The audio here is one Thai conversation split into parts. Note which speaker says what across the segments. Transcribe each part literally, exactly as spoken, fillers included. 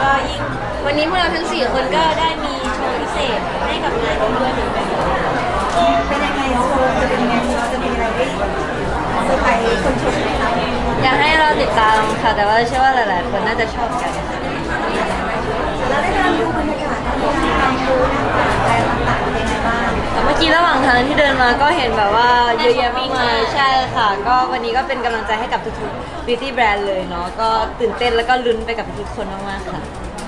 Speaker 1: ก็ยิ่งวันนี้พวกเราทั้งสี่คนก็ได้มีโชว์พิเศษให้กับงานนี้ด้วยเหมือนกัน
Speaker 2: เป็นยังไงโชว์จะเป็นยังไงเราจะมีอะไรได้เซอร์ไพรส์คนชมไหมคะ
Speaker 1: อยากให้เราติดตามค่ะแต่ว่าเชื่อว่าหลายๆคนน่าจะชอบกัน
Speaker 2: แล้วได้การดูบรรยากาศการดูอะไรต่างๆเป็นยังไงบ้าง
Speaker 1: เมื่อกี้ระหว่างทางที่เดินมาก็เห็นแบบว่าเยอะแยะมากมายใช่ค่ะก็วันนี้ก็เป็นกำลังใจให้กับทุกๆ beauty brand เลยเนาะก็ตื่นเต้นแล้วก็ลุ้นไปกับทุกคนมากๆค่ะ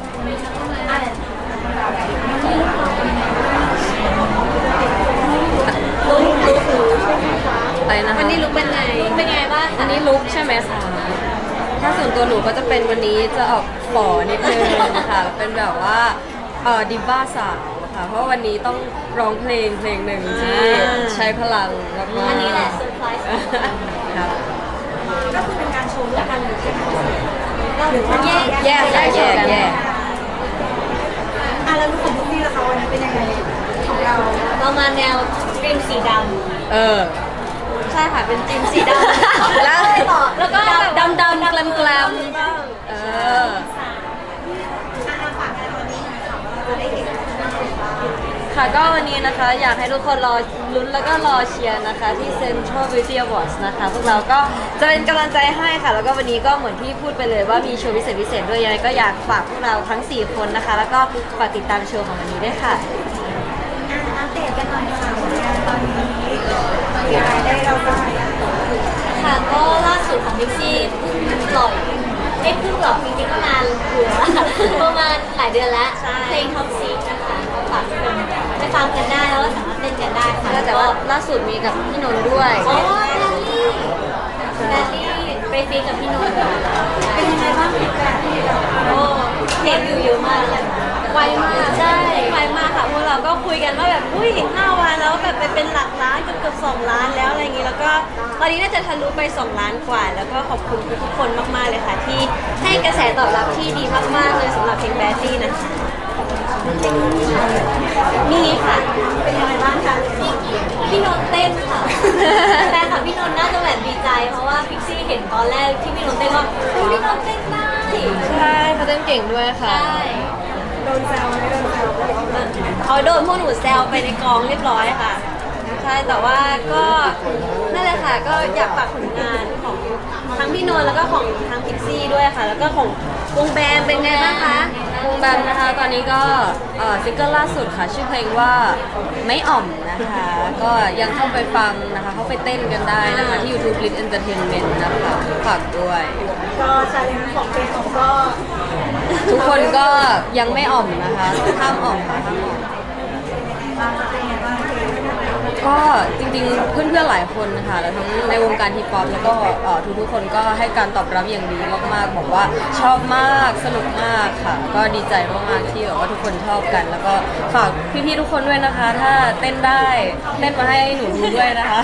Speaker 1: ลุกลุกไปนะคะวันนี้ลุกเป็นไงเป็นไงบ้างอันนี้ลุกใช่ไหมคะถ้าส่วนตัวหนูก็จะเป็นวันนี้จะออกฝ่อนิดนึงค่ะเป็นแบบว่าเออดิบ้าสาวค่ะเพราะวันนี้ต้องร้องเพลงเพลงหนึ่งที่ใช้พลังมากๆอันนี้แหละเซอร์ไพรส์ครับ
Speaker 2: ก็คือเป็นการโชว์ร่วมกันหรือหรือ
Speaker 1: ว่าแยกแยกแยกแยกแยก
Speaker 2: อ่ะแล้วรู้สึกทุกที่ละคะวันนั้นเป็นยังไงของเรา
Speaker 1: เรามาแนวดรีมสีดำเออใช่ค่ะเป็นจีนสีดำแล้วแล้วก็ดำดำแกลมแกลมเออค่ะก็วันนี้นะคะอยากให้ทุกคนรอลุ้นแล้วก็รอเชียร์นะคะที่ Central Beauty Awards นะคะพวกเราก็จะเป็นกำลังใจให้ค่ะแล้วก็วันนี้ก็เหมือนที่พูดไปเลยว่ามีโชว์พิเศษพิเศษด้วยยังไงก็อยากฝากพวกเราทั้งสี่คนนะคะแล้วก็ฝากติดตามโชว์ของวันนี้ด้วยค่ะ
Speaker 2: อัปเดตกันหน่อยค่ะตอนนี้มีอะไรได้เราบ้าง
Speaker 1: ค่ะก็ล่าสุดของพิกซี่เพิ่งปล่อยไม่เพิ่งหรอกจริงๆก็นานอยู่แล้วประมาณหลายเดือนแล้วเพลงท็อปซีนะคะฝากทุกคนไปฟังกันได้แล้วก็สามารถเต้นกันได้ค่ะแต่ว่าล่าสุดมีกับพี่นนท์ด้วยอ๋อแรลลี่แรลลี่ไปฟีกับพี่นนท์
Speaker 2: เป็นยังไงบ้างฟีดแบ็กที่เรา
Speaker 1: โอ้เพลงวิวเยอะมากเลยไวมากใช่ไวมากค่ะพวกเราก็คุยกันว่าแบบอุ้ยห้าวันแล้วแบบไปเป็นหลักล้านเกือบเกือบสองล้านแล้วอะไรอย่างนี้แล้วก็ตอนนี้น่าจะทะลุไปสองล้านกว่าแล้วก็ขอบคุณทุกคนมากๆเลยค่ะที่ให้กระแสตอบรับที่ดีมากๆเลยสำหรับเพลงแบดดี้นะคะนี่ค่ะ
Speaker 2: เป็นยังไงบ้างคะ
Speaker 1: พี่นนท์เต้นค่ะแฟนค่ะพี่นนท์น่าจะแบบดีใจเพราะว่าพิกซี่เห็นตอนแรกที่พี่นนท์เต้นว่าพี่นนท์เต้นได้ใช่เขาเต้นเก่งด้วยค่ะ
Speaker 2: โดนแซวไม่โดนแซว
Speaker 1: เขาโดนพวกหนูแซวไปในกองเรียบร้อยค่ะใช่แต่ว่าก็นั่นแหละค่ะก็อยากฝากผลงานของทั้งพี่นนท์แล้วก็ของทั้งพิกซี่ด้วยค่ะแล้วก็ของวงแบมเป็นไงบ้างคะวงแบมนะคะตอนนี้ก็ซิงเกิลล่าสุดค่ะชื่อเพลงว่าไม่อ่อมนะคะก็ยังเข้าไปฟังนะคะเข้าไปเต้นกันได้นะคะที่ YouTube Lit Entertainment นะคะฝากด้วย
Speaker 2: ก็ชาเลนจ์ของเพลงของก็
Speaker 1: ทุกคนก็ยังไม่อ่อมนะคะห้ามอ่อมค่ะห้ามอ่อมก็จริงๆเพื่อนๆหลายคนนะคะแล้วทั้งในวงการฮิปฮอปแล้วก็ทุกๆคนก็ให้การตอบรับอย่างดีมากๆบอกว่าชอบมากสนุกมากค่ะก็ดีใจมากๆที่แบบว่าทุกคนชอบกันแล้วก็ฝากพี่ๆทุกคนด้วยนะคะถ้าเต้นได้เต้นมาให้หนูดูด้วยนะคะ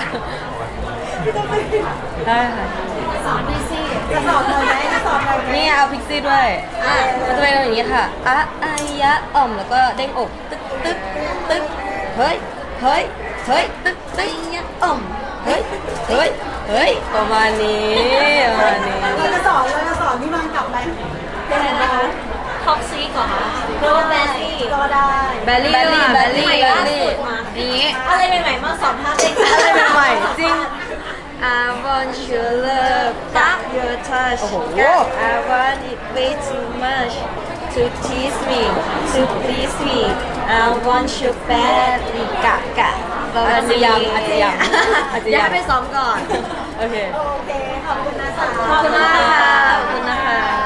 Speaker 1: ได้ค่ะ
Speaker 2: สอนพิกซี่จะสอนเลยไหมจะสอนเลย
Speaker 1: นี่เอาพิกซี่ด้วยอ่ะมันจะเป็นอย่างนี้ค่ะอะอายะอ่อมแล้วก็เด้งอกตึ๊กตึ๊กตึ๊กเฮ้ยเฮ้ยเฮ้ยตึ๊กตึ๊กอ่อมเฮ้ยเฮ้ยเฮ้ยประมาณนี้ประมาณนี้
Speaker 2: เราจะสอนเราจะสอนพี่มันกลับไปเป็นยังไง
Speaker 1: ท็อกซีก่อนโรแบลลี่
Speaker 2: ก็ได้
Speaker 1: แบลลี่แบลลี่แบลลี่แบลลี่นี้อะไรใหม่ๆมาสอนภาพเต้นอะไรใหม่ๆจริงI want your love, got your touch. I want it way too much to tease me, to please me. I want you badly, กะกะอาจจะยังอาจจะยังอาจจะยังไปซ้อมก่อนโอเค
Speaker 2: โอเคขอบคุณนะจ๊ะ
Speaker 1: ขอบคุณนะคะขอบคุณนะคะ